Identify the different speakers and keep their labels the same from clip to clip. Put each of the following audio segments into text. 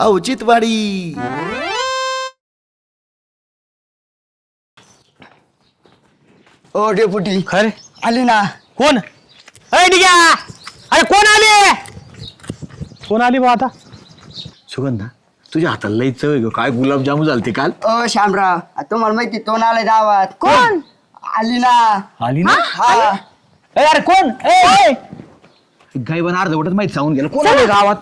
Speaker 1: औचित्यवाडी.
Speaker 2: ओ deputy
Speaker 3: खरे
Speaker 2: आली ना.
Speaker 3: कोण डिग्या अरे कोण आले कोण आली बा आता
Speaker 1: सुगंधा तुझ्या हाताला लई चव आहे गं. काय गुलाबजामू झालते काल.
Speaker 2: ओ शामराव तुम्हाला माहिती तो आलाय गावात.
Speaker 4: कोण?
Speaker 2: आली ना.
Speaker 3: आली ना
Speaker 2: हा
Speaker 3: अरे कोण गायबान अर्धवटच माहिती सांगून गेलं कोण आले गावात.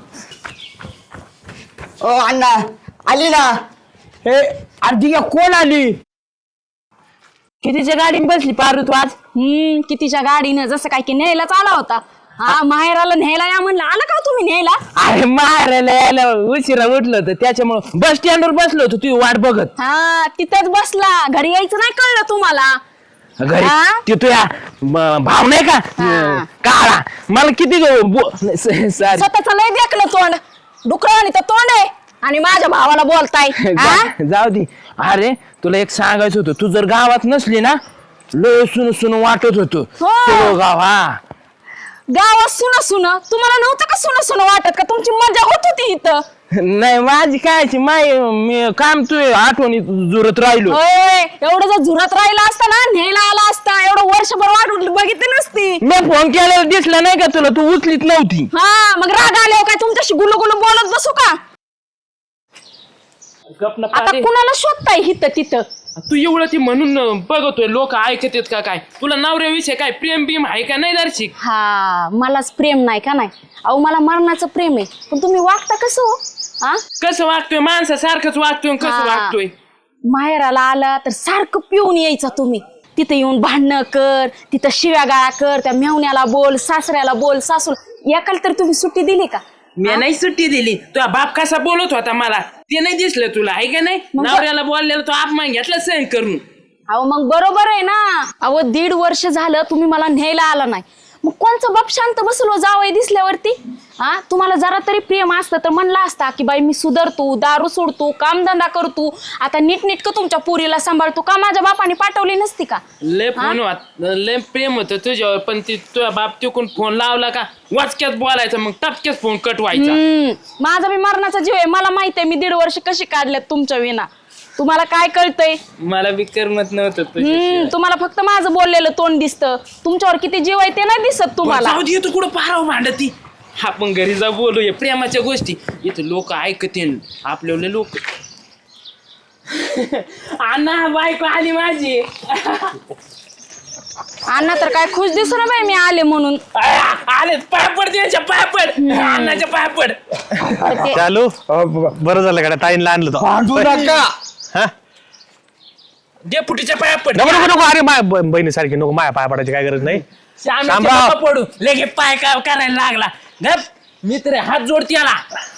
Speaker 2: ओ अण्णा आली ना.
Speaker 3: अरे डिग्या कोण आली
Speaker 4: कितीच्या गाडीने बसली पारू तू आज? कितीच्या गाडीनं जसं काय की न्यायलाच आला होता. हा माहेराला न्यायला या म्हणलं, आला का तुम्ही न्यायला?
Speaker 3: अरे मारायला यायला उशिरा उठलं होतं त्याच्यामुळं बस स्टँडवर बसलो होतो तुझी वाट बघत.
Speaker 4: हा तिथंच बसला, घरी यायचं नाही कळलं तुम्हाला?
Speaker 3: घरी
Speaker 4: हा?
Speaker 3: ते तुझ्या भाव नाही का
Speaker 4: हा.
Speaker 3: काळा मला किती सॉरी
Speaker 4: स्वतःच लय देखलं तोंड, डुकरावानी तर तोंड आहे आणि माझ्या भावाला बोलताय. हा?
Speaker 3: जाऊ दे. अरे तुला एक सांगायचं होतं, तू जर गावात नसली ना लय सुन सुन वाटत होतो
Speaker 4: हो.
Speaker 3: गाव. हा
Speaker 4: गावात सुन सुन तुम्हाला नव्हतं का? सुन सुन वाटत का? तुमची मजा होत होती इथं.
Speaker 3: नाही माझी कायची मी काम तू आठवणी जुरत राहिलो.
Speaker 4: होय, एवढं जर झुरत राहिला असता ना, न्यायला आला असता, एवढं वर्षभर वाटून बघितली नसती.
Speaker 3: मी फोन केलेला दिसला नाही का तुला, तू उचलीत नव्हती.
Speaker 4: हा मग राग आल्यावर काय तुमच्याशी गुलू गुलू बोलत बसू का? आता कुणाला शोधताय हिथं तिथं?
Speaker 5: तू एवढं ती म्हणून बघतोय लोक ऐकत आहेत का? काय तुला नवऱ्याविषयी काय प्रेम बिम आहे का नाही दर्शिक?
Speaker 4: हा मलाच प्रेम नाही का? नाही अहो मला मरणाचं प्रेम आहे, पण तुम्ही वागता कसं हो? हा
Speaker 5: कसं वागतोय? माणसासारखंच वागतोय. कसं
Speaker 4: हा.
Speaker 5: वागतोय?
Speaker 4: माहेराला आला तर सारखं पिऊन यायचा तुम्ही. तिथे येऊन भांडणं कर, तिथं शिव्या गाळा कर, त्या मेवण्याला बोल, सासऱ्याला बोल, सासूला. एकाला तर तुम्ही सुट्टी दिली का?
Speaker 5: मी नाही सुट्टी दिली. तुझा बाप कसा बोलत होता मला ते नाही दिसलं तुला आहे का नाही? नवऱ्याला बोललेला तो अपमान घेतला सहन करून.
Speaker 4: अहो मग बरोबर आहे ना. अहो 1.5 वर्ष झालं तुम्ही मला न्यायला आला नाही, मग कोणचं बाप शांत बसलो जावई दिसल्यावरती? हा तुम्हाला जरा तरी प्रेम असतं तर म्हणला असता की बाई मी सुधारतो, दारू सोडतो, कामधंदा करतो, आता नीटनीटकं तुमच्या पोरीला सांभाळतो. का माझ्या बापाने पाठवली नसती का?
Speaker 5: लय फोन लय प्रेम होतं तुझ्यावर, पण ती तुझ्या बाप तिकून फोन लावला का वाचक्यात बोलायचं, मग टपक्यात फोन कट व्हायचा.
Speaker 4: माझा बी मरणाचा जीव आहे, मला माहित आहे मी 1.5 वर्ष कशी काढल्यात तुमच्या विना. तुम्हाला काय कळतंय?
Speaker 5: मला बी करमत नव्हतं तुझ्याशिवाय.
Speaker 4: तुम्हाला फक्त माझं बोललेलं तोंड दिसतं, तुमच्यावर किती जीव आहे ते नाही दिसत तुम्हाला.
Speaker 5: जाऊ दे, तू कुठं पाराव भांडती. आपण घरी जाऊ बोलूया प्रेमाच्या गोष्टी. इथं लोक ऐकतील आपल्याला लोक. अण्णा बायको आली माझी.
Speaker 4: अण्णा तर काय खुश दिसू ना बाई मी आले म्हणून.
Speaker 5: आले पापड द्यायच्या पापड अण्णाच्या पापड.
Speaker 3: चालू बरं झालं का ताईंला आणलं तो.
Speaker 2: भांडू नका.
Speaker 5: डेपुटीच्या पापड.
Speaker 3: नको नको नको. अरे माय बहिणी सारखी नको, माया पाय पडायची काय गरज नाही.
Speaker 5: श्यामराव पडू लगे पाय काय करायला लागला. गप मित्र हात जोडती आला.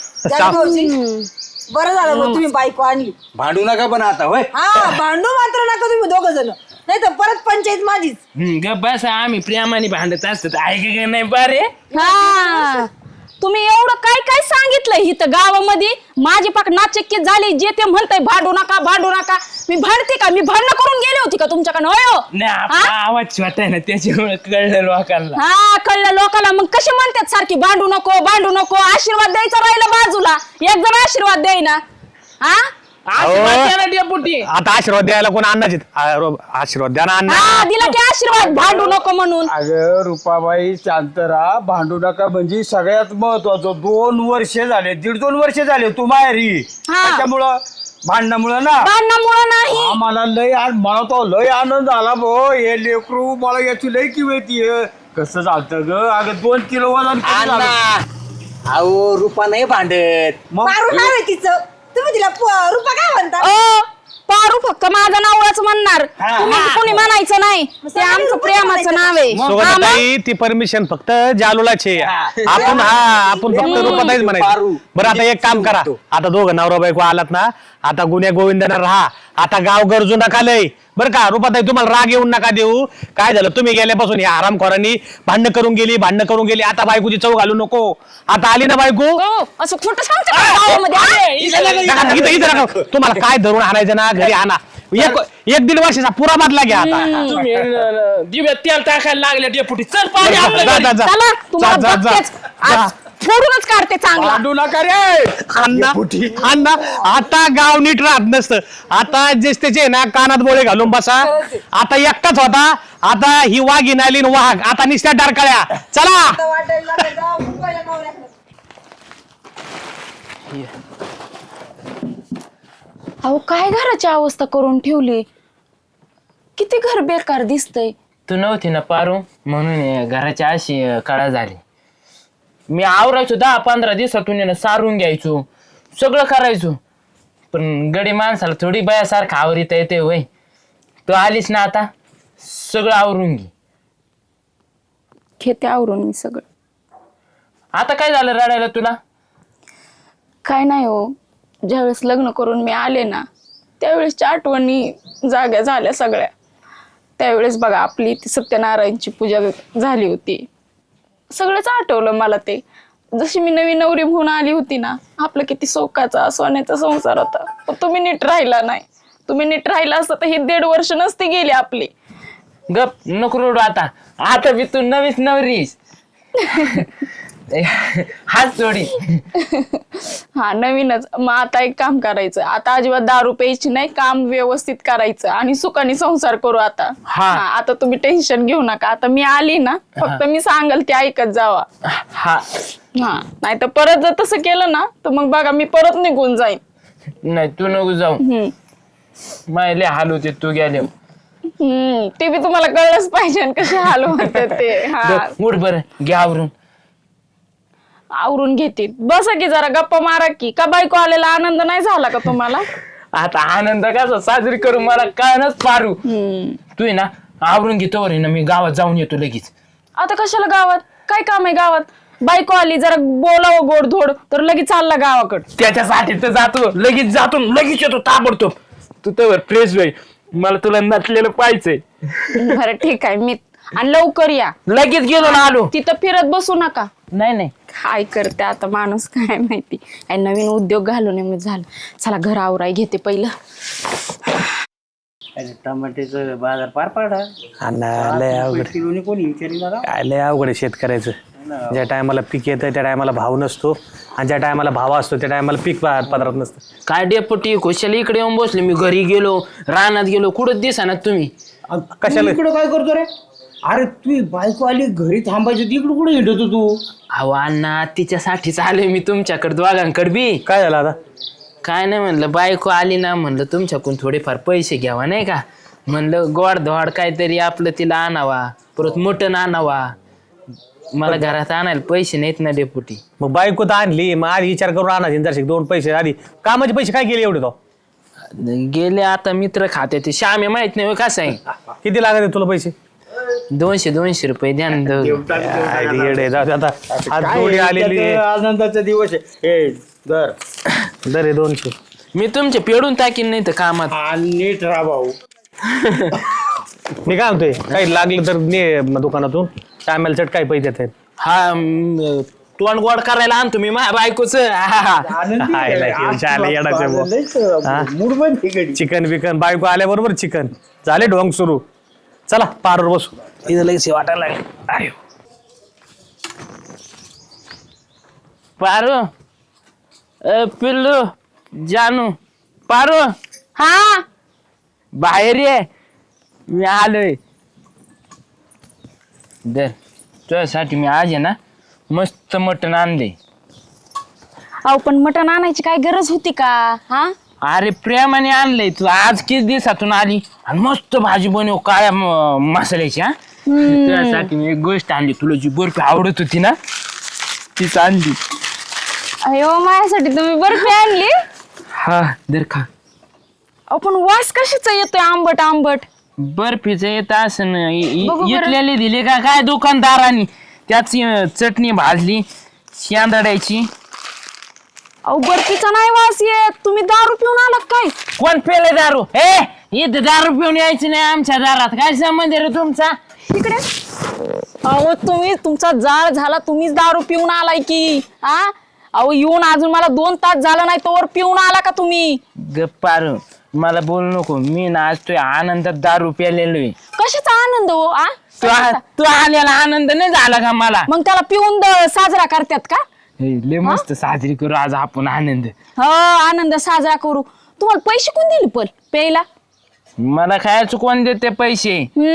Speaker 6: बरं झालं मग तुम्ही बायको आणली.
Speaker 2: भांडू नका पण आता होय.
Speaker 6: हा भांडू मात्र नका तुम्ही 2 जण, नाही तर परत पंचायत माझीच.
Speaker 5: गप बस, आम्ही प्रेमाने भांडत असतो ऐक नाही बरे.
Speaker 4: हा तुम्ही एवढं काय काय सांगितलं इथं गावामध्ये, माझी पाक नाचक्की झाली. जे ते म्हणताय भांडू नका भांडू नका, मी भांडते का? मी भांडणं करून गेली होती का तुमच्याकडनं? होय हो?
Speaker 5: नाही आपला आवाज छोटा आहे ना त्याच्यामुळे कळलं लोकांना.
Speaker 4: हा कळलं लोकांना. मग कसे म्हणतात सारखी भांडू नको भांडू नको? आशीर्वाद द्यायचा राहिला बाजूला, एक जण आशीर्वाद देईना. हा
Speaker 5: डेपुटी
Speaker 3: आता आशीर्वाद द्यायला कोण अन्नाचे आशीर्वाद द्या ना अण्णा.
Speaker 4: हा दिला की आशीर्वाद, भांडू नको म्हणून.
Speaker 7: अगं रुपाबाई शांत राहा, भांडू नका. म्हणजे सगळ्यात महत्वाचं 2 वर्ष झाले, 1.5-2 वर्ष झाले तू माहेरी.
Speaker 4: हा.
Speaker 7: त्याच्यामुळं भांडणामुळं ना
Speaker 4: भांडणामुळं नाही.
Speaker 7: आम्हाला मला तो लय आनंद आला भो. हे लेकरू मला याची लय किंमती कसं चालतं ग. अगं 2 किलो वजन किती झालं?
Speaker 2: अहो रुपा नाही भांडत.
Speaker 7: मग
Speaker 6: मारू नाव आहे तिचं, तुम्ही तिला रुपा काय म्हणता?
Speaker 4: पारू फक्त माझं नावच म्हणणार, तुम्ही कोणी म्हणायचं नाही. ते आमचं प्रेमाचं नाव आहे. हा, मग?
Speaker 3: सोबत ती परमिशन फक्त जालूलाची आहे. आपण फक्त रूपाताईच म्हणायचं. बरं आता एक काम करा, आता दोघं नवरा बायको आलात ना, आता गुन्ह्या गोविंदाना राहा. आता गाव गरजू नका लय. बरं का रुपाताई, तुम्हाला राग येऊन नका देऊ. काय झालं, तुम्ही गेल्यापासून या आरामखोरांनी भांडणं करून गेली. आता बायकोची चव घालू नको. आता आली ना बायको.
Speaker 4: हो, असं खोटं सांगतो का गावामध्ये?
Speaker 3: इथं नका. तुम्हाला काय धरून आणायचं ना घरी आणा. 1-1.5 वर्षाचा पुरा बदला घ्या आता.
Speaker 5: तुम्ही दिव्यात तेल टाकायला लागले डेपुटी. चल पाणी
Speaker 3: जा,
Speaker 5: आपलं
Speaker 3: जा,
Speaker 5: घरी.
Speaker 3: जा, जा.
Speaker 4: चला, तुम्हाला
Speaker 3: जा, जा,
Speaker 4: बघतेच.
Speaker 3: जा.
Speaker 4: आज फोडूनच काढते चांगला.
Speaker 7: भांडू नका रे.
Speaker 3: अण्णा आता गाव नीट राहत नसतं. आता जेच त्याचे ना कानात बोळे घालून बसा. आता एकटाच होता, आता ही वाघीण आली न वाघ, आता निस्त्या डारकाळ्या. चला
Speaker 6: आता वाटायला लागलं जाऊ पहिल्या नवऱ्याकडे.
Speaker 4: अहो काय घराची अवस्था करून ठेवली, किती घर बेकार दिसतंय.
Speaker 5: तू नव्हती ना पारू म्हणून घराची अशी काळा झाली. मी आवरायचो 10-15 दिवसातून आहे ना सारून घ्यायचो, सगळं करायचो. पण गडी माणसाला थोडी बयासारखं आवरीता येते वय. तू आलीस ना आता सगळं आवरून घे.
Speaker 4: घेते आवरून मी सगळं.
Speaker 5: आता काय झालं रडायला तुला?
Speaker 4: काय नाही हो, ज्यावेळेस लग्न करून मी आले ना त्यावेळेसच्या आठवणी जाग्या झाल्या सगळ्या. त्यावेळेस बघा आपली ती सत्यनारायणची पूजा झाली होती, सगळंच आठवलं मला ते. जशी मी नवी नवरी म्हणून आली होती ना, आपलं किती सोकाचा सोन्याचा संसार होता. पण तुम्ही नीट राहिला नाही. तुम्ही नीट राहिला असतं तर ही 1.5 वर्ष नसती गेली आपली.
Speaker 5: गप नको रडू आता. आता मी तू नवीच नवरीस. हात जोडी.
Speaker 4: हा नवीनच. मग आता एक काम करायचं, आता अजिबात दारू प्यायची नाही, काम व्यवस्थित करायचं आणि सुखाने संसार करू आता.
Speaker 5: हा.
Speaker 4: आता तुम्ही टेन्शन घेऊ नका. आता मी आली ना, फक्त मी सांगल ते ऐकत जावा.
Speaker 5: हा
Speaker 4: हा नाही तर परत जर तसं केलं ना तर मग बघा मी परत निघून जाईन.
Speaker 5: नाही तू नको जाऊ. मायले हाल होते तू गेले.
Speaker 4: ते बी तुम्हाला कळलंच पाहिजे आणि कसे हाल होते ते. हा
Speaker 5: उठ बरं घ्या आवरून.
Speaker 4: आवरून घेते. बसा की जरा गप्पा मारा की. का बायको आलेला आनंद नाही झाला का तुम्हाला?
Speaker 5: आता आनंद कसा साजरी करू मला कळणच पारू. तू आहे ना आवरून घेतो ना, मी गावात जाऊन येतो लगेच.
Speaker 4: आता कशाला गावात? काय काम आहे गावात? बायको आली जरा बोलावं गोडधोड तर लगेच चालला गावाकडं.
Speaker 5: त्याच्यासाठी तर जातो, लगेच जातो, लगेच येतो ताबडतोब. तू तर फ्रेश होई, मला तुला नटलेलं पाहिजे.
Speaker 4: बरं ठीक आहे. मी आणि लवकर या.
Speaker 5: लगेच गेलो ना आलो.
Speaker 4: तिथं फिरत बसू नका.
Speaker 5: नाही
Speaker 4: काय करते आता माणूस काय माहिती. आणि नवीन उद्योग घालून मी झालं. चला घर आवराय घेते पहिलं.
Speaker 2: टमाट्याचं बाजार पार पाडा.
Speaker 3: अण्णा लय अवघड.
Speaker 2: कोणी विचारलं
Speaker 3: काय लय अवघड आहे शेतकऱ्याचं. ज्या टायमाला पीक येतं त्या टायमाला भाव नसतो, आणि ज्या टायमाला भाव असतो त्या टायमाला पीक पदरात नसतं.
Speaker 5: काय डेपुटी खुशाला इकडे येऊन बसले. मी घरी गेलो, रानात गेलो, कुठं दिसा तुम्ही.
Speaker 3: कशाला?
Speaker 2: इकडं काय करतो रे? अरे तू बायको आली घरी थांबायची, तिकडं कुठे हिंडतो तू?
Speaker 5: अहो अण्णा तिच्यासाठीच आलोय मी तुमच्याकडे दोघांकडे बी.
Speaker 3: काय झालं आता?
Speaker 5: काय नाही म्हणलं, बायको आली ना म्हणलं तुमच्याकडून थोडेफार पैसे घ्यावा नाही का. म्हणलं गोड धोड काहीतरी आपलं तिला आणावा, परत मटण आणावा. मला घरात आणायला पैसे नाहीत ना डेपुटी.
Speaker 3: मग बायको तर आणली, मग आधी विचार करून आणा जरशी 2 पैसे आधी. कामाचे पैसे काय केले एवढे तो?
Speaker 5: गेले आता मित्र खाते ते श्यामे माहित नाही कसं आहे.
Speaker 3: किती लागत आहे तुला पैसे?
Speaker 5: 200 रुपये द्या ना.
Speaker 3: येडे जाऊ दे आता. आज जोडी आलेली आहे.
Speaker 2: आनंदाचा दिवस आहे. हे दर
Speaker 3: दर आहे 200.
Speaker 5: मी तुमचे पेडून टाकीन नाही तर कामात.
Speaker 2: नीट राहा भाऊ.
Speaker 3: मी काय म्हणतोय, काही लागलं तर ने दुकानातून. टायमाला चट काय पैसे देत
Speaker 5: हा तोंड गोड करायला आणतो मी माझ्या बायकोच.
Speaker 3: चिकन बिकन बायको आल्याबरोबर चिकन झाले ढोंग सुरू. चला पारवर बसू. इथं लगेच वाटायला लागेल.
Speaker 5: पारू पिल्लू जानू पारू
Speaker 4: हा
Speaker 5: बाहेर ये, मी आलोय. दर तुझ्यासाठी मी आज आहे ना मस्त मटण आणले.
Speaker 4: अहो पण मटण आणायची काय गरज होती का? हा
Speaker 5: अरे प्रेमाने आणलंय. तू आज किती दिवसातून आली आणि मस्त भाजी बनव काळ्या मसाल्याची. हा तुझ्यासाठी मी एक गोष्ट आणली. तुला जी बर्फी आवडत होती ना तीच आणली.
Speaker 4: अयो माझ्यासाठी तुम्ही बर्फी आणली?
Speaker 5: हा दर खा.
Speaker 4: अहो पण वास कशाचा येतोय आंबट आंबट?
Speaker 5: बर्फीचं येत असं
Speaker 4: बघू बरं.
Speaker 5: इथलेले दिले का काय दुकानदारांनी. त्याची चटणी भाजली शेंदाड्याची.
Speaker 4: अहो बर्फीचा नाही वास येत. तुम्ही दारू पिऊन आलात काय?
Speaker 5: कोण पेले दारू? इथं दारू पिऊन यायची नाही आमच्या दारात. काय संबंध रे तुमचा?
Speaker 4: इकडे अहो तुम्ही तुमचा जाळ झाला. तुम्हीच दारू पिऊन आलाय की? हा अहो येऊन अजून मला 2 तास झाला नाही तोवर पिऊन आला का तुम्ही?
Speaker 5: गप्पार मला बोलू नको. मी ना आज तुझ्या आनंदात दारू प्यालेलो आहे.
Speaker 4: कशाचा आनंद हो?
Speaker 5: तू आलेला आनंद नाही झाला का मला?
Speaker 4: मग त्याला पिऊन साजरा करतात का?
Speaker 5: लय मस्त साजरी करू आज आपण आनंद.
Speaker 4: हो आनंद साजरा करू. तुम्हाला पैसे कोण दिले पण प्यायला?
Speaker 5: मला खायचं कोण देते पैसे?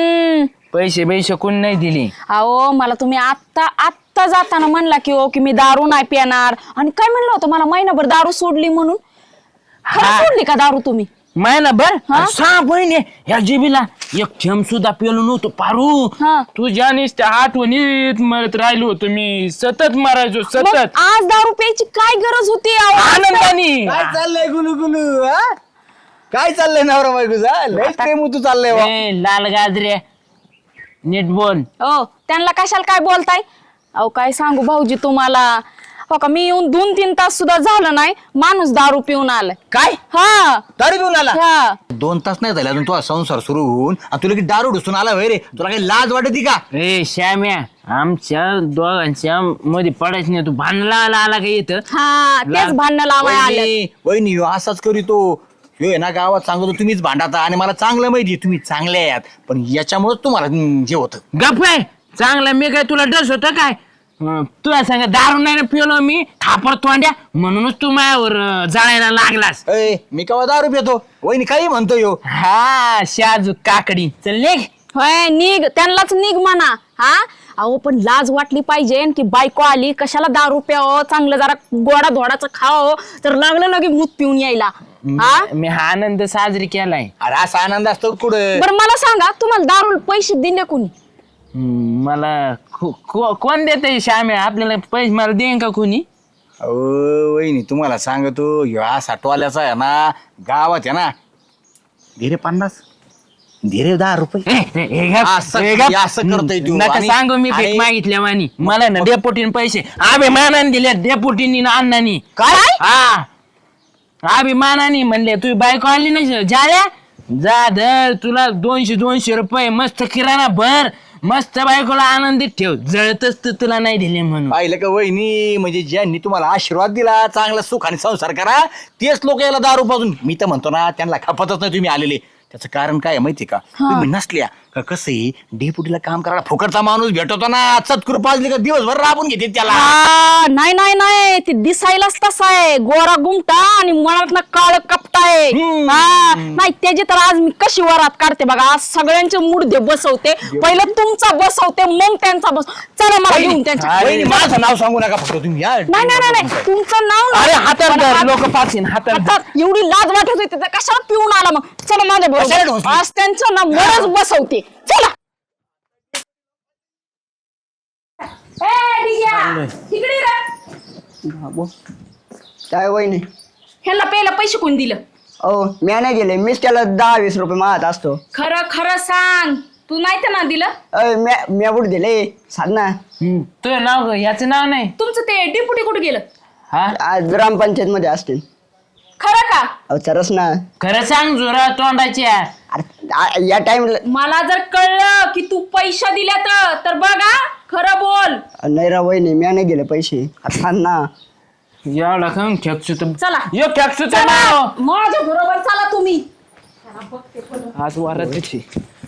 Speaker 5: पैसे कोण नाही दिले.
Speaker 4: अहो मला तुम्ही आत्ता जाताना म्हणला की की मी दारू नाही पिणार आणि काय म्हणलं होतं मला महिनाभर दारू सोडली म्हणून. खरं सोडली का दारू तुम्ही?
Speaker 5: महिनाभर?
Speaker 4: हा?
Speaker 5: सहा महिने या जीबीला एक थेंब सुद्धा पेलो नव्हतो पारू.
Speaker 4: हा.
Speaker 5: तुझ्या नुसत्या आठवणीत मरत राहिलो होतो मी. सतत मारायचो
Speaker 4: मग
Speaker 5: सतत
Speaker 4: आज दारू प्यायची काय गरज होती अहो?
Speaker 5: आनंदाने.
Speaker 1: काय चाललंय गुलू गुलू हा? काय चाललंय नवरा बायकोचा? लय प्रेम तू चाललंय बा.
Speaker 5: ए, लाल गाजरे नीट बोल.
Speaker 4: हो त्यांना कशाला काय बोलताय? अहो काय सांगू भाऊजी तुम्हाला. हो का मी येऊन 2-3 तास सुद्धा झालं नाही माणूस दारू पिऊन आलाय.
Speaker 1: काय
Speaker 4: हा
Speaker 1: दारू पिऊन आला?
Speaker 4: हा.
Speaker 1: 2 तास नाही झाले अजून तुझा संसार सुरू होऊन आणि तुला की दारू ढुसून आला होय रे? तुला काही लाज वाटती का?
Speaker 5: ए श्याम्या आमच्या दोघांच्या मध्ये पडायच नाही. तू भांडला आला का येत?
Speaker 4: हा तेच भांडणं लावाय आलं.
Speaker 1: वहिनी ह्यो असाच करीतो. ह्यो आहे ना गावात सांगतो तुम्हीच भांडाता आणि मला चांगलं माहिती तुम्ही चांगले आहात पण याच्यामुळे तुम्हाला जे होतं.
Speaker 5: गप आहे चांगला. मी काय तुला डस होत काय? तुला सांग दारू नाही पिलो मी खापर तोंड्या म्हणूनच तू माझ्यावर जाळायला लागलास.
Speaker 1: मी केव्हा दारू पितो? वहिनी काही म्हणतो ह्यो.
Speaker 5: हा शाजू काकडी चल निघ.
Speaker 4: होय निघ त्यांनाच निघ म्हणा. हा अहो पण लाज वाटली पाहिजे की बायको आली कशाला दारू प्यावं चांगलं जरा गोडा धोडाचं खावं तर लागलं लगे मूत पिऊन यायला. हा
Speaker 5: मी हा आनंद साजरी केलाय.
Speaker 1: अरे असा आनंद असतो कुठं?
Speaker 4: बरं मला सांगा तुम्हाला दारू पैसे दिले कोणी?
Speaker 5: मला कोण देते श्याम्या आपल्याला पैसे? मला देईन का कोणी?
Speaker 1: अहो वहिनी तुम्हाला सांगतो ह्यो असा टोल्याचा आहे ना गावात आहे ना धीरे 50 धीरे 10 रुपये असं करतोय तू.
Speaker 5: नका
Speaker 1: आणि-
Speaker 5: सांगू मी भीक
Speaker 1: आणि-
Speaker 5: मागितल्या वाणी. मला ना डेपुटीन पैसे अभिमानाने दिले. डेपुटीनी अण्णानी.
Speaker 1: काय?
Speaker 5: हा अभिमानाने म्हणले तू बायको आली नाही जाल्या जा धर तुला 200 रुपये मस्त किराणा भर मस्त बायकोला आनंदीत ठेव. जळतच तर तुला नाही दिले म्हणून.
Speaker 1: पाहिलं का वहिनी म्हणजे ज्यांनी तुम्हाला आशीर्वाद दिला चांगला सुख आणि संसार करा तेच लोक याला दारू पाजून. मी तर म्हणतो ना त्यांना खपतच नाही तुम्ही आलेले. त्याचं कारण काय माहिती का? तुम्ही नसल्या का कसं आहे डेपुटीला काम करायला फुकटचा माणूस भेटतो ना चतकुर पाजली का दिवसभर राबून घेते त्याला.
Speaker 4: नाही नाही नाही ते दिसायलाच तसा आहे गोरा गुमटा आणि मनात काळ कपटाय. हा नाही त्याची तर आज मी कशी वरात काढते बघा. आज सगळ्यांचे मुडदे बसवते. पहिलं तुमचा बसवते मग त्यांचा बस. चला मला घेऊन त्यांच्या.
Speaker 1: वहिनी, माझं नाव सांगू नका फक्त तुम्ही या.
Speaker 4: नाही नाही नाही नाही तुमचं नाव नाही.
Speaker 5: अरे हातात
Speaker 4: मला
Speaker 5: धर
Speaker 4: हात-
Speaker 5: लोक पाचीन हातात धर.
Speaker 4: हातात एवढी लाज वाटत होती तर कशाला पिऊन आला मग. चला माझ्या
Speaker 1: कशाला
Speaker 4: बरोबर
Speaker 1: ढोसली?
Speaker 4: आज त्यांचं ना मरच बसवते. चला तिकडे
Speaker 8: काय वहिनी?
Speaker 4: ह्याला पहिला पैसे कोण दिलं?
Speaker 8: अहो मी नाही दिले. मीच त्याला 10-20 रुपये मागत असतो.
Speaker 4: खरं खरं सांग तू नाही तर ना दिलं.
Speaker 8: मी कुठे दिले सांग ना.
Speaker 5: तुझं नाव याचं नाव नाही.
Speaker 4: तुमचं ते डिपुटी कुठे गेलं?
Speaker 5: हा
Speaker 8: आज ग्रामपंचायत मध्ये असतील.
Speaker 4: खरं का?
Speaker 8: अहो चरस ना.
Speaker 5: खरं सांग जोरा तोंडाच्या.
Speaker 8: अरे या टाइमला
Speaker 4: मला जर कळलं की तू पैसा दिल्या तर बघा खरं बोल.
Speaker 8: नाही रा वहिनी मी नाही दिले पैसे. आता सांग ना.
Speaker 5: एवढा खाऊन खेकसू
Speaker 4: चला
Speaker 5: यो खेकसू
Speaker 4: चला माझ्या बरोबर चला तुम्ही.
Speaker 5: आज वाराची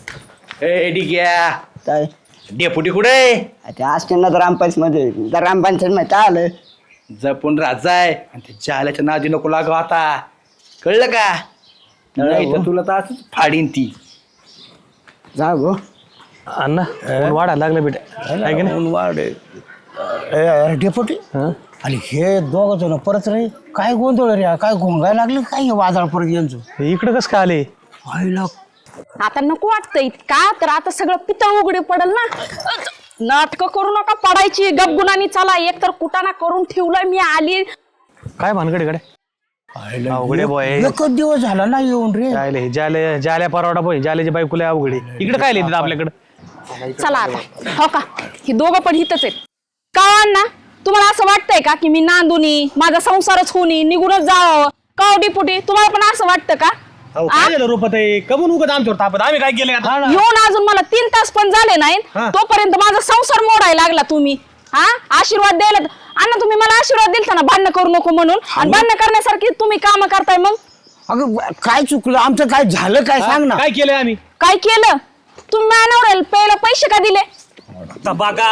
Speaker 8: काय
Speaker 1: डेपुटी कुठे?
Speaker 8: ते असते ना ग्रामपंचायत मध्ये. ग्रामपंचायत मध्ये काय आलं?
Speaker 1: जपून राजाय आणि ते जाल्याच्या नादी नको लागू आता कळलं का? नाही तर तुला तर असंच फाडीन ती.
Speaker 8: जा गो.
Speaker 3: अण्णा ऊन वाढायला लागलं बेटा आहे की नाही?
Speaker 2: वाढ अरे डेपुटी आणि हे दोघ जण परत रे काय गोंधळ रे काय घोंगायला लागले काय वादळ परत यांचं.
Speaker 3: इकडं कसं काय आले?
Speaker 2: आईला
Speaker 4: आता नको वाटतंय का तर आता सगळं पितळ उघडे पडल ना. नाटक करू नका पडायची गपगुणानी चला. एक तर कुटाणा करून ठेवलंय मी आली.
Speaker 3: काय भानगड इकडे? अवघडे बॉय
Speaker 2: एकच दिवस झाला ना येऊन रे.
Speaker 3: जायले जाल्या परवडा बोय जाल्याची बायकोले अवघडे. इकडे काय लिहितात आपल्याकडे?
Speaker 4: चला आता हो का हे दोघं पण हितच आहेत का ना. तुम्हाला असं वाटतंय का की मी नांदुनी माझा संसारच होणी निघूनच जावं का? डिपुटी तुम्हाला पण असं वाटतं का?
Speaker 3: काय झालं रूपात आहे कमून उगत आमच्यावर तापत आम्ही काय केलं आता?
Speaker 4: येऊन अजून मला 3 तास पण झाले नाहीत तोपर्यंत माझा संसार मोडायला लागला तुम्ही. हा आशीर्वाद द्यायला अण्णा तुम्ही मला आशीर्वाद दिलता ना भांडणं करू नको म्हणून आणि भांडणं करण्यासारखी तुम्ही काम करताय. मग
Speaker 2: अगं काय चुकलं आमचं काय झालं काय सांग ना.
Speaker 3: काय केलंय आम्ही?
Speaker 4: काय केलं? तुम्ही मानवरेल पहिला पैसे का दिले?
Speaker 3: आता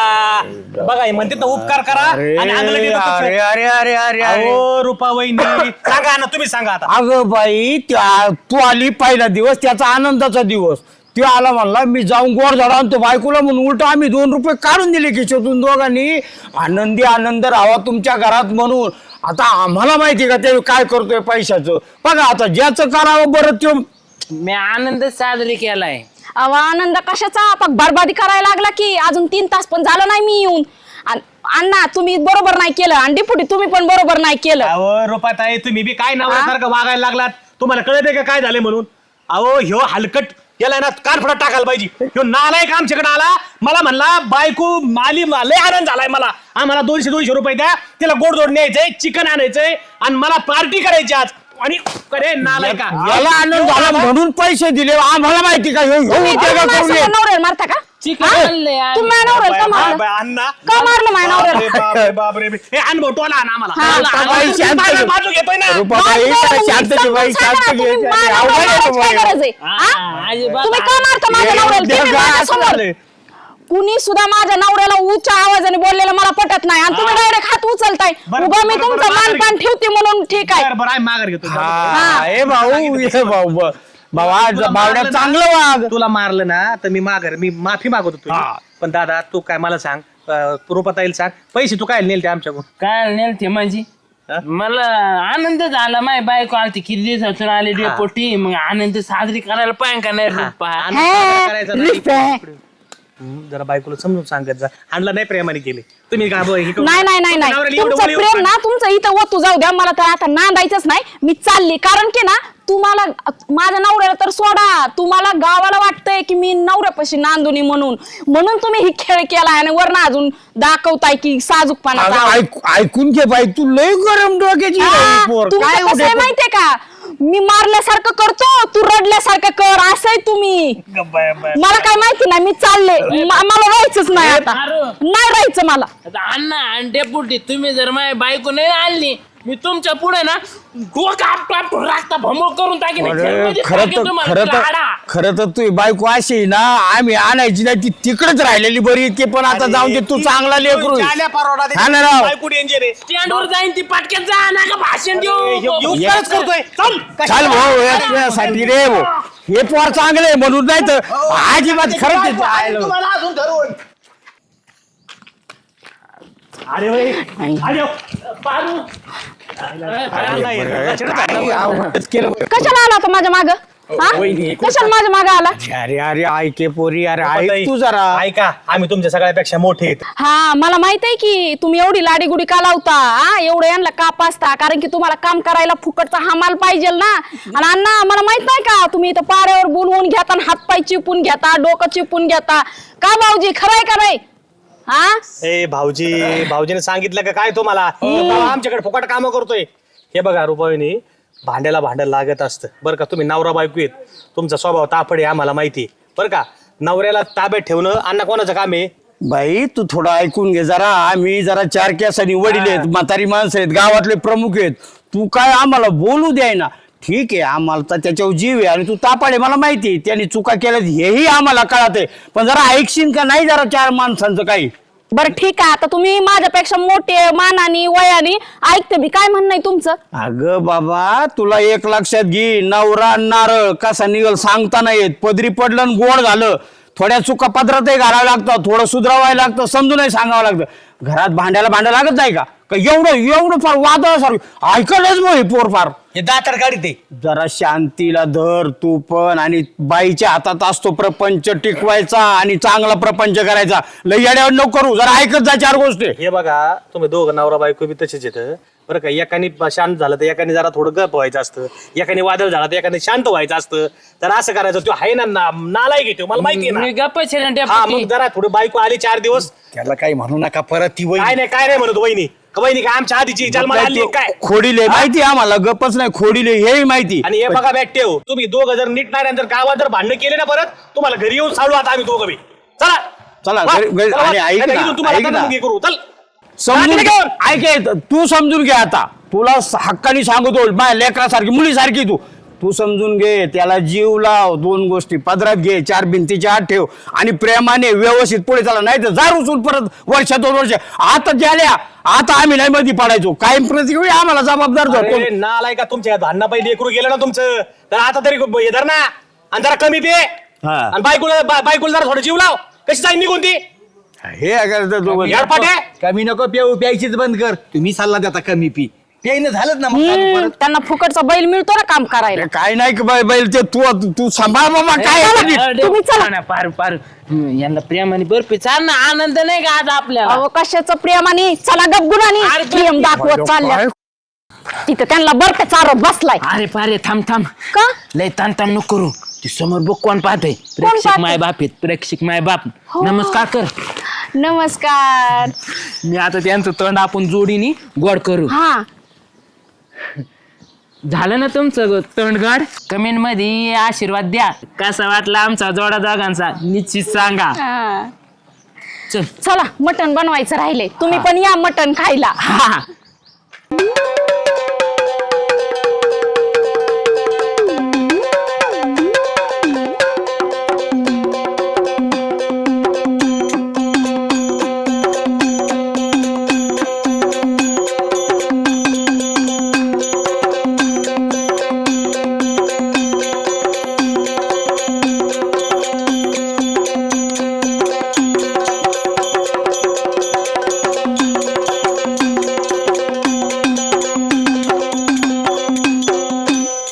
Speaker 3: बघा हे म्हणते ना उपकार करा
Speaker 2: अरे
Speaker 3: आणि अंगाला घेतो तसं.
Speaker 2: अरे अरे अरे अरे अरे
Speaker 3: अहो रुपा वहिनी सांगा ना तुम्ही सांगा आता
Speaker 2: अगं बाई तू आली पहिला दिवस त्याचा आनंदाचा दिवस तो आला म्हणला मी जाऊन गोड झाडा आणतो बायकोला म्हणून उलट आम्ही 2 रुपये काढून दिले खिशातून दोघांनी आनंदी आनंद राहावा तुमच्या घरात म्हणून. आता आम्हाला माहिती का ते काय करतोय पैशाचं बघा आता ज्याचं करावं बरं ते
Speaker 5: मी आनंद साजरी केलाय.
Speaker 4: अहो आनंद कशाचा बरबादी करायला लागला की अजून 3 तास पण झालं नाही मी येऊन. अण्णा तुम्ही बरोबर नाही केलं आणि डिपुटी तुम्ही पण बरोबर नाही केलं.
Speaker 3: अहो रुपाताई तुम्ही बी काय नवऱ्यासारखं वागायला लागलात तुम्हाला कळत का काय झाले म्हणून. अहो ह्यो हलकट याला ना कानफडात टाकायला पाहिजे. ह्यो नालायक आमच्याकडे आला मला म्हणला बायको माली लय आनंद झालाय मला आम्हाला 200 रुपये द्या तिला गोडधोड न्यायचंय चिकन आणायचंय आणि मला पार्टी करायची आज आणि अरे नालायका
Speaker 2: याला आनंद झाला म्हणून पैसे दिले आम्हाला माहिती का
Speaker 4: तुम्ही नवऱ्याला मारता का?
Speaker 5: चिकन
Speaker 4: हा?
Speaker 5: आणलंय आणि-
Speaker 4: तुम्ही माझ्या नवऱ्याला का मारलं?
Speaker 3: अण्णा
Speaker 4: का मारलं माझ्या नवऱ्याला?
Speaker 3: बापरे हे अनुभव टोला आण आम्हाला
Speaker 4: हा,
Speaker 3: टोला आण.
Speaker 2: बाई, शांत
Speaker 3: माझ्या
Speaker 2: घे.
Speaker 3: बाजू घेतोय ना
Speaker 2: रुपाबाई,
Speaker 4: माझं
Speaker 2: शांत
Speaker 4: तुम्ही
Speaker 2: घे बाई,
Speaker 4: सांगा
Speaker 2: शांत
Speaker 4: ना,
Speaker 2: घे.
Speaker 4: तुम्ही माझ्या
Speaker 2: अवघड आहे
Speaker 4: नवऱ्याला
Speaker 2: बाई.
Speaker 4: काय गरज आहे? हा?
Speaker 5: अजिबात
Speaker 4: तुम्ही का मारता माझ्या नवऱ्याला? तुम्ही माझ्यासमोर. कुणी सुद्धा माझ्या नवऱ्याला उच्च आवाजाने बोललेलं मला पटत नाही आणि तुम्ही डायरेक्ट हात उचलताय.
Speaker 3: बरं,
Speaker 4: उगा मी
Speaker 3: बरं,
Speaker 4: तुमचं
Speaker 3: बरं,
Speaker 4: मानपान
Speaker 3: बरं.
Speaker 4: ठेवते म्हणून ठीक आहे.
Speaker 3: बरं आहे माघार घेतो
Speaker 2: हे भाऊ भाऊ बावड्या चांगलं वाग
Speaker 3: तुला मारलं ना तर मी माफी मागवतो तुझी. पण दादा तू काय मला सांग रुपात येईल सांग पैसे तू काय नेलते आमच्याकडून
Speaker 5: काय नेलते माझी मला आनंद झाला माय बायको आलती किती दिवसातून आली डेपोटी मग आनंद साजरी करायला पाहिजे का नाही रुपा?
Speaker 3: करायचा नाही. जरा बायकोला समजून सांगत जा आणला नाही प्रेमाने केले तुम्ही काय हे करू-
Speaker 4: नाही नाही नाही नाही
Speaker 3: नवऱ्याला एवढं
Speaker 4: तुमचं
Speaker 3: बोलू
Speaker 4: प्रेम ना तुमचं इथं वतू जाऊ द्या मला तर आता नांदायचंच नाही मी चालली कारण की ना तुम्हाला माझ्या नवऱ्याला तर सोडा तुम्हाला गावाला वाटतंय की मी नवऱ्यापाशी नांदुनी म्हणून तुम्ही ही खेळ केला आणि वरनं अजून दाखवताय की साजूकपणा
Speaker 2: ऐकून घे बाई तू लय गरम डोक्याची आहे, पोर. काय
Speaker 4: कसं आहे
Speaker 2: उद्या-
Speaker 4: माहितीये का मी मारल्यासारखं करतो तू रडल्यासारखं कर असं आहे तुम्ही मला काय माहिती नाही मी चालले मला राहायचंच नाही आता नाही राहायचं मला
Speaker 5: आता अण्णा आणि डेपुटी तुम्ही जर माझी बायको नाही आणली मी तुमच्या पुढे ना रास्ता भमो करून टाकीन.
Speaker 2: अरे,
Speaker 5: जेलमध्ये टाकीन तुम्हाला, लाडा.
Speaker 2: खरं तर तू बायको अशी ना आम्ही आणायची नाही ती तिकडेच राहिलेली बरी ते पण आता जाऊन दे तू चांगला लेकरू आहे.
Speaker 3: जाल्या परवडा
Speaker 2: हा ना राव.
Speaker 3: बायको danger आहे.
Speaker 5: स्टँडवर जाईन ती पटक्यात जा ना का भाषण देऊ
Speaker 3: उपकारच करतोय चल
Speaker 2: चाल भाऊ हे तुझ्यासाठी रे भाऊ हे पोर चांगले म्हणून नाही तर अजिबात खरंच ते जायला.
Speaker 1: तुम्हाला अजून धरून
Speaker 3: अरे भाई अरे पारू
Speaker 4: कशाला आला होता माझ्या माग कशाला माझ्या माग आला
Speaker 2: अरे अरे ऐके पोरी अरे ऐक तू जरा
Speaker 3: ऐका आम्ही तुमच्या सगळ्यापेक्षा मोठे आहेत
Speaker 4: हा मला माहित आहे की तुम्ही एवढी लाडीगुडी का लावता हा एवढं यांना का पाचता कारण की तुम्हाला काम करायला फुकटचा हमाल पाहिजे ना आणि अण्णा मला माहित नाही का तुम्ही इथं पाऱ्यावर बोलवून घेता आणि हातपाय चिपून घेता डोकं चिपून घेता का भाऊजी खरंय का नाही हा
Speaker 3: ए भाऊजीने सांगितलं का काय तुम्हाला बाबा आमच्याकडे फुकट कामं करतोय हे बघा रुपाईनी भांड्याला भांडं लागत असतं बरं का तुम्ही नवरा बायको आहेत तुमचा स्वभाव तापड आहे आम्हाला माहिती आहे बरं का नवऱ्याला ताब्यात ठेवणं अण्णा कोणाचं काम आहे
Speaker 2: बाई तू थोडं ऐकून घे जरा आम्ही जरा 4 केसांनी वडील आहेत म्हातारी माणसं आहेत गावातले प्रमुख आहेत तू काय आम्हाला बोलू द्याय ना ठीक आहे आम्हाला तर त्याच्यावर जीव आहे आणि तू तापाडे मला माहिती आहे त्यांनी चुका केल्या हेही आम्हाला कळत आहे पण जरा ऐकशील का नाही जरा 4 माणसांचं काही
Speaker 4: बरं ठीक आहे आता तुम्ही माझ्यापेक्षा मोठे मानानी वयानी ऐकते मी काय म्हणणं आहे तुमचं
Speaker 2: अगं बाबा तुला एक लक्षात घे नवरा नारळ कसा निघल सांगता नाही येत पदरी पडलं आणि गोड झालं थोड्या चुका पदरातही घालावं लागतं थोडं सुधरावायला लागतं समजूनही सांगावं लागतं घरात भांड्याला भांडं लागत नाही का एवढं फार वादळासारखं ऐकलंच मग हे पोर फार
Speaker 3: हे दातर गाडी ते
Speaker 2: जरा शांतीला धर तू पण आणि बाईच्या हातात असतो प्रपंच टिकवायचा आणि चांगला प्रपंच करायचा लय येड्यावर नको करू जरा ऐकत जा 4 गोष्टी
Speaker 3: हे बघा तुम्ही दोघं नवरा बायको बी तसेच येतं बरं का एकाने शांत झालं तर एकाने जरा थोडं गप व्हायचं असतं एकाने वादळ झालं तर एकाने शांत व्हायचं असतं तर असं करायचं तो आहे ना नालायक घेतो मला माहिती आहे
Speaker 5: मी
Speaker 3: ना
Speaker 5: गप्प आहे ना
Speaker 3: हा
Speaker 5: डेपुटी
Speaker 3: मग जरा थोडी बायको आली 4 दिवस
Speaker 1: त्याला काही म्हणू नका परत ती वही
Speaker 3: काय नाही म्हणत वहिनी वहिनी काय आमच्या आधीची जन्माला आली आहे काय
Speaker 2: खोडीले माहिती आम्हाला गपच नाही खोडीले हेही माहिती
Speaker 3: आणि हे बघा बॅग ठेव तुम्ही दोघं जर नीट नाही जर गावात जर भांडण केले ना परत तुम्हाला घरी येऊन साडू आता आम्ही दोघं बी चला
Speaker 2: चला,
Speaker 3: वा,
Speaker 2: घरी-
Speaker 3: चला,
Speaker 2: आणि
Speaker 3: वा.
Speaker 2: ऐक
Speaker 3: नाही तर
Speaker 2: ना,
Speaker 3: इथून तुम्हाला
Speaker 2: ऐक ना.
Speaker 3: आता हे करू चल
Speaker 2: समजून
Speaker 3: रात्री घेऊन.
Speaker 2: ऐक तू समजून घे आता तुला हक्कानी सांगतो माझ्या लेकरासारखी मुलीसारखी तू तू समजून घे, त्याला जीव लाव, 2 गोष्टी पदरात घे, 4 भिंतीच्या आत ठेव आणि प्रेमाने व्यवस्थित पुढे चाला. नाही तर जार उचलून परत वर्ष 2 वर्ष आता झाल्या, आता आम्ही नाही मध्ये पडायचो. कायम प्रत्येक वेळी आम्हाला जबाबदार धरतो.
Speaker 3: अरे नालाय का तुमच्या धान्ना पहिली लेकरू गेलं ना तुमचं, तर आता तरी हे धर ना आणि जरा कमी पे
Speaker 2: हा.
Speaker 3: आणि बायकोला जरा थोडं जीव लाव. कशी जाईल निघून ती
Speaker 2: हे करतो तू.
Speaker 3: याडपाटे.
Speaker 1: कमी नको पिऊ, प्यायचीच बंद कर. तुम्ही सल्ला देता कमी पी, प्यायनं झालंच ना मग चालू परत.
Speaker 4: त्यांना फुकटचा बैल मिळतो ना काम करायला.
Speaker 2: काय नाही की बैल ते तू सांभाळ बाबा. काय
Speaker 4: तुम्ही चला.
Speaker 5: ना पार पार यांना प्रेमाने बर्फी चाल ना, आनंद नाही का आज आपल्याला?
Speaker 4: अहो कशाचं प्रेमाने, चला गपगुणाने
Speaker 5: अरे,
Speaker 4: प्रेम दाखवत चालल्या. तिथं त्यांना बर्फ चारत बसलाय.
Speaker 5: अरे पारे थांब थांब,
Speaker 4: का
Speaker 5: लय ताण ताण नको करू. ती समोर बघ कोण पाहते,
Speaker 4: पाहतंय?
Speaker 5: प्रेक्षक माय बाप आहेत, प्रेक्षक माय बाप.
Speaker 4: हो.
Speaker 5: नमस्कार कर.
Speaker 4: नमस्कार.
Speaker 5: मी आता त्यांचं तोंड आपण जोडीनी गोड करू.
Speaker 4: हा
Speaker 5: झालं ना तुमचं तोंड गोड? कमेंट मध्ये आशीर्वाद द्या. कसा वाटला आमचा जोडा दोघांचा निश्चित सांगा.
Speaker 4: हा.
Speaker 5: चल
Speaker 4: चला मटण बनवायचं राहिले, तुम्ही पण या मटण खायला.
Speaker 5: हा